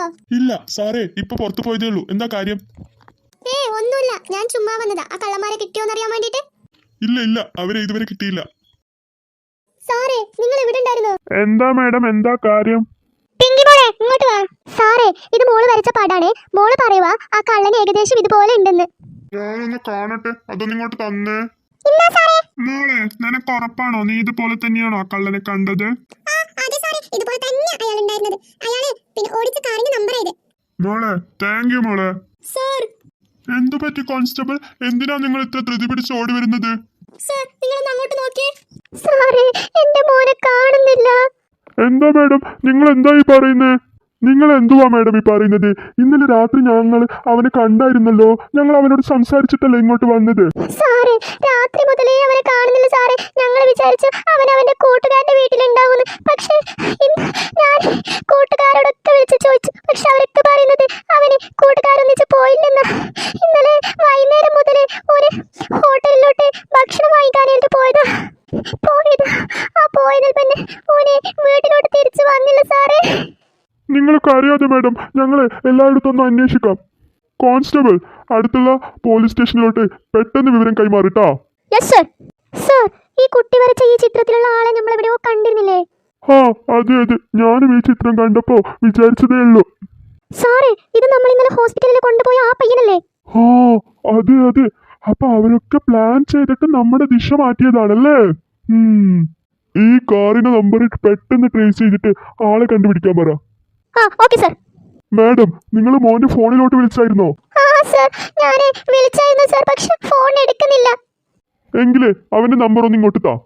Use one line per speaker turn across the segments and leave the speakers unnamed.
ഇല്ല സാറേ, ഇപ്പൊ പുറത്തു പോയതേ ഉള്ളൂ. എന്താ കാര്യം?
ഒന്നുമില്ല, ഞാൻ ചുമ്മാ വന്നതാ. ആ കള്ളന്മാരെ കിട്ടിയോന്ന് അറിയാൻ വേണ്ടിട്ട്.
ഇല്ല ഇല്ല, അവരെ ഇതുവരെ കിട്ടിയില്ല.
സാറേ, നിങ്ങൾ എവിടെ ഉണ്ടായിരുന്നു?
എന്താ മാഡം, എന്താ കാര്യം?
പിങ്കി മോളെ, ഇങ്ങോട്ട് വാ. സാറേ, ഇത് മോള് വരച്ച പാടാണ്. മോള് പറയുവാ ആ കള്ളന് ഏകദേശം ഇതുപോലെ ഉണ്ടെന്ന്.
ഞാനൊന്ന് കാണട്ടെ, അതൊന്നും ഇങ്ങോട്ട് തന്നേ.
ഇല്ല സാറേ.
മോളെ, നിനക്ക് ഉറപ്പാണോ നീ ഇതുപോലെ തന്നെയാണോ ആ കള്ളനെ കണ്ടത്?
അതെ സാറേ, ഇതുപോലെ തന്നെ അയാൾ ഉണ്ടായിരുന്നത്. അയാള് പിന്നെ ഓടിച്ച കാറിന്റെ നമ്പർ ഇത്.
മോളെ, താങ്ക് യു മോളെ.
സാർ.
എന്തു പറ്റി കോൺസ്റ്റബിൾ? എന്തിനാ നിങ്ങൾ ഇത്ര ധൃതി പിടിച്ച് ഓടി വരുന്നത്?
സാർ, നിങ്ങളൊന്ന് അങ്ങോട്ട് നോക്കിയേ. സാറേ, എന്റെ മോനെ കാണുന്നില്ല.
എന്താ മാഡം നിങ്ങൾ എന്തായി പറയുന്നത്? നിങ്ങൾ എന്തുവാ മാഡം ഈ പറയുന്നത്? ഇന്നലെ രാത്രി ഞങ്ങൾ അവനെ കണ്ടായിരുന്നല്ലോ. ഞങ്ങൾ അവനോട് സംസാരിച്ചിട്ടല്ലേ ഇങ്ങോട്ട് വന്നത്.
സാറേ, രാത്രി മുതലേ അവനെ കാണുന്നില്ല സാറേ. ഞങ്ങൾ വിചാരിച്ചു അവൻ അവന്റെ കൂട്ടുകാരന്റെ വീട്ടിലുണ്ടാവുമെന്ന്. പക്ഷേ ഞാൻ കൂട്ടുകാരോടൊക്കെ വിളിച്ച് ചോദിച്ചു. പക്ഷെ അവരൊക്കെ പറയുന്നത് അവന് കൂട്ടുകാരൊന്നിച്ച് പോയില്ലെന്ന്. ഇന്നലെ വൈകുന്നേരം മുതലേ ഒരു ഹോട്ടലിലോട്ട് ഭക്ഷണം വാങ്ങിക്കാനായിട്ട് പോയതാ. പോയതിൽ പിന്നെ ഓനെ വീട്ടിലോട്ട് തിരിച്ചു വന്നില്ല സാറേ.
നിങ്ങൾക്ക് അറിയാതെ മാഡം, ഞങ്ങൾ എല്ലായിടത്തും ഒന്ന് അന്വേഷിക്കാം. കോൺസ്റ്റബിൾ, അടുത്തുള്ള പോലീസ് സ്റ്റേഷനിലോട്ട് പെട്ടെന്ന് വിവരം കൈമാറിട്ടാ.
Yes sir. സർ, ഈ കുട്ടി വരച്ച ഈ ചിത്രത്തിലുള്ള ആളെ നമ്മൾ എവിടെയോ കണ്ടിരുന്നില്ലേ?
ആ അതെ അതെ, ഞാനും ഈ ചിത്രം കണ്ടപ്പോ വിചാരിച്ചതേ ഉള്ളൂ.
സാറേ, ഇത് നമ്മൾ ഇന്നലെ ഹോസ്പിറ്റലിൽ കൊണ്ടുപോയ ആ പയ്യനല്ലേ?
ആ അതെ അതെ, അപ്പൊ അവരൊക്കെ പ്ലാൻ ചെയ്തിട്ട് നമ്മുടെ ദിശ മാറ്റിയതാണല്ലേ. ഈ കാറിന്റെ നമ്പർ പെട്ടെന്ന് ട്രേസ് ചെയ്തിട്ട് ആളെ കണ്ടുപിടിക്കാൻ പറ.
Okay sir.
മാഡം, നിങ്ങൾ മോന്റെ ഫോണിലോട്ട് വിളിച്ചായിരുന്നോ?
സർ, ഞാൻ വിളിച്ചായിരുന്നു സർ, പക്ഷെ ഫോൺ എടുക്കുന്നില്ല.
എങ്കിലേ അവന്റെ നമ്പർ ഒന്ന് ഇങ്ങോട്ട് താ.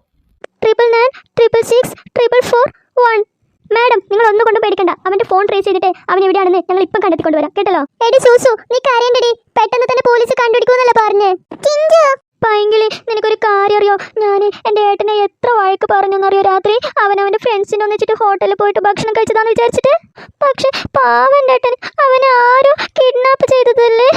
99666441. മാഡം, നിങ്ങൾ ഒന്നും കൊണ്ട് പേടിക്കണ്ട. അവന്റെ ഫോൺ ട്രേസ് ചെയ്തിട്ട് അവൻ എവിടെയാണെന്ന് ഞങ്ങൾ ഇപ്പം കണ്ടെത്തിക്കൊണ്ടുവരാം, കേട്ടല്ലോ. എടി സൂസു, നീ കരയണ്ടടി. പെട്ടെന്ന് തന്നെ പോലീസ് കണ്ടുപിടിക്കുമെന്നല്ലേ പറഞ്ഞേ? പൈങ്കിളി, നിനക്കൊരു കാര്യം അറിയോ? ഞാൻ എൻ്റെ ഏട്ടനെ എത്ര വഴക്ക് പറഞ്ഞെന്നറിയോ? രാത്രി അവന്റെ ഫ്രണ്ട്സിനെ ഒന്നിച്ചിട്ട് ഹോട്ടലിൽ പോയിട്ട് ഭക്ഷണം കഴിച്ചതാന്ന് വിചാരിച്ചിട്ട്. പക്ഷെ പാവന്റെ ഏട്ടൻ അവനെ ആരോ കിഡ്നാപ്പ് ചെയ്തതല്ലേ.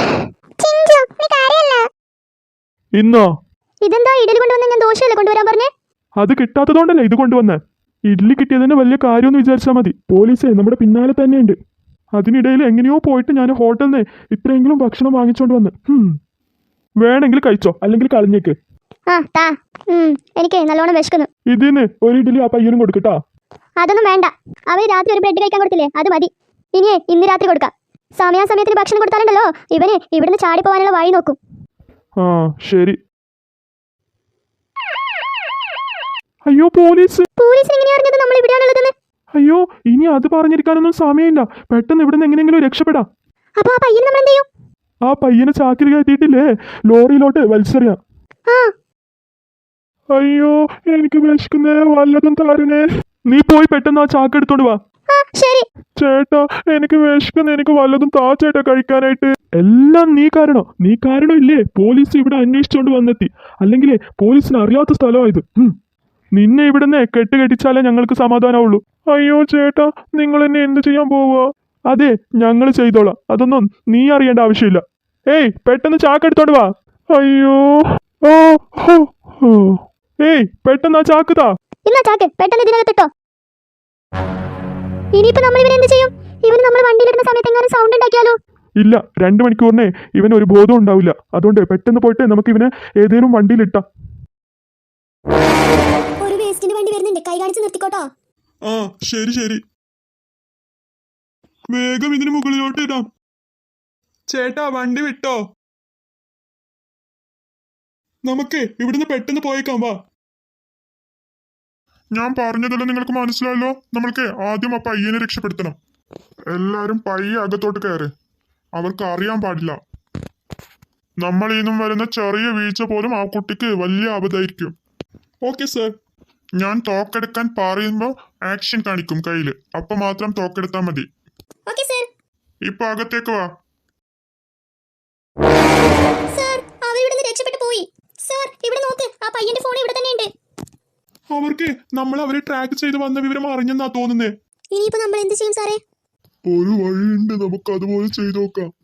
ഇന്നോ?
ഇതെന്താ ഇഡലി കൊണ്ടുവന്ന? ഞാൻ ദോശയല്ലേ കൊണ്ടുവരാൻ പറഞ്ഞേ?
അത് കിട്ടാത്തതുകൊണ്ടല്ലേ ഇത് കൊണ്ടുവന്നേ. ഇഡ്ലി കിട്ടിയതിന് വലിയ കാര്യമൊന്നും വിചാരിച്ചാൽ മതി. പോലീസേ നമ്മുടെ പിന്നാലെ തന്നെയുണ്ട്. അതിനിടയിൽ എങ്ങനെയോ പോയിട്ട് ഞാൻ ഹോട്ടലിൽ നിന്ന് ഇത്രയെങ്കിലും ഭക്ഷണം വാങ്ങിച്ചോണ്ട് വന്ന്. വേണമെങ്കിൽ കഴിച്ചോ, അല്ലെങ്കിൽ കളഞ്ഞേക്ക്.
എനിക്ക് നല്ലോണം വിശക്കുന്നു.
ഇതിന് ഒരു ഇഡ്ഡലി ആ പയ്യനും കൊടുക്കട്ടാ.
അതൊന്നും വേണ്ട. അവര് രാത്രി ഒരു ബ്രെഡ് കഴിക്കാൻ കൊടുത്തില്ലേ, അത് മതി. ഇനിയേ ഇന്ന് രാത്രി കൊടുക്കാം. സമയാസമയത്തിന് ഭക്ഷണം കൊടുത്താലുണ്ടല്ലോ ഇവന് ഇവിടുന്ന് ചാടി പോകാനുള്ള വഴി നോക്കും.
ആ ശരി. അയ്യോ, പോലീസിന്
എങ്ങനെയാ അറിഞ്ഞത് നമ്മൾ ഇവിടെയാണുള്ളതെന്ന്?
അയ്യോ, ഇനി അത് പറഞ്ഞിരിക്കാനൊന്നും സമയമില്ല. പെട്ടെന്ന് ഇവിടുന്ന് എങ്ങനെയെങ്കിലും രക്ഷപ്പെടാം.
അപ്പൊ ആ പയ്യൻ നമ്മൾ എന്ത് ചെയ്യും?
ആ പയ്യനെ ചാക്കിൽ കയറ്റിയിട്ടില്ലേ ലോറിയിലോട്ട് വലിച്ചെറിയാം. അയ്യോ, എനിക്ക് വിശക്കുന്നേ, വല്ലതും തരണേ. നീ പോയി പെട്ടെന്ന് ആ ചാക്ക് എടുത്തോണ്ട് വാ.
ശരി
ചേട്ടാ, എനിക്ക് വിശക്കുന്ന, എനിക്ക് വല്ലതും താ ചേട്ടാ കഴിക്കാനായിട്ട്. എല്ലാം നീ കാരണം ഇല്ലേ പോലീസ് ഇവിടെ അന്വേഷിച്ചോണ്ട് വന്നെത്തി. അല്ലെങ്കിലേ പോലീസിന് അറിയാത്ത സ്ഥലമായത്. നിന്നെ ഇവിടുന്ന് കെട്ടിച്ചാലേ ഞങ്ങൾക്ക് സമാധാനമുള്ളൂ. അയ്യോ ചേട്ടാ, നിങ്ങൾ എന്നെ എന്ത് ചെയ്യാൻ പോവുക? അതെ, ഞങ്ങൾ ചെയ്തോളാം. അതൊന്നും നീ അറിയേണ്ട ആവശ്യമില്ല. ഏയ്, പെട്ടെന്ന് ചാക്ക് എടുത്തോണ്ട് വാ. അയ്യോ, ഏയ് പെട്ടെന്ന് ആ ചാക്ക് താ.
ചാക്ക് പെട്ടെന്ന് ഇതിനകത്തിട്ടോ. ഇനിയിപ്പോ നമ്മൾ ഇവനെ എന്ത് ചെയ്യും? ഇവന് നമ്മൾ വണ്ടിയിലിടുന്ന സമയത്ത് എങ്ങനെ സൗണ്ട് ഉണ്ടാക്കിയാലോ?
ഇല്ല, 2 മണിക്കൂറിനെ ഇവന് ഒരു ബോധം ഉണ്ടാവില്ല. അതുകൊണ്ട് പെട്ടെന്ന് പോയിട്ട് നമുക്ക് ഇവനെ ഏതെങ്കിലും വണ്ടിയിലിട്ടാം.
ഒരു വേസ്റ്റിന്റെ വണ്ടി വരുന്നുണ്ട്, കൈ കാണിച്ച് നിർത്തിക്കോട്ടോ.
ആ ശരി ശരി, വേഗം ഇതിന് മുകളിലോട്ട് ഇടാം. ചേട്ടാ, വണ്ടി വിട്ടോ? നമുക്ക് ഇവിടുന്ന് പെട്ടെന്ന് പോയേക്കാം, വാ. ഞാൻ പറഞ്ഞതല്ലോ നിങ്ങൾക്ക് മനസ്സിലായല്ലോ. നമ്മൾക്ക് ആദ്യം ആ പയ്യനെ രക്ഷപ്പെടുത്തണം. എല്ലാരും പയ്യെ അകത്തോട്ട് കയറ്. അവർക്ക് അറിയാൻ പാടില്ല. നമ്മൾ ഇന്നും വരുന്ന ചെറിയ വീഴ്ച പോലും ആ കുട്ടിക്ക് വലിയ ആപത്തായിരിക്കും. Okay sir. ഞാൻ തോക്കെടുക്കാൻ പറയുമ്പോൾ ആക്ഷൻ കാണിക്കും കയ്യില്. അപ്പൊ മാത്രം തോക്കെടുത്താൽ മതി. ഇപ്പൊ അകത്തേക്ക് വാ. അവർക്ക് നമ്മൾ അവരെ ട്രാക്ക് ചെയ്ത് വന്ന വിവരം അറിഞ്ഞെന്നാ തോന്നുന്നേ.
ഇനിയിപ്പോ നമ്മൾ എന്ത് ചെയ്യും സാറേ?
ഒരു വഴിയുണ്ട്, നമുക്ക് അതുപോലെ ചെയ്തു നോക്കാം.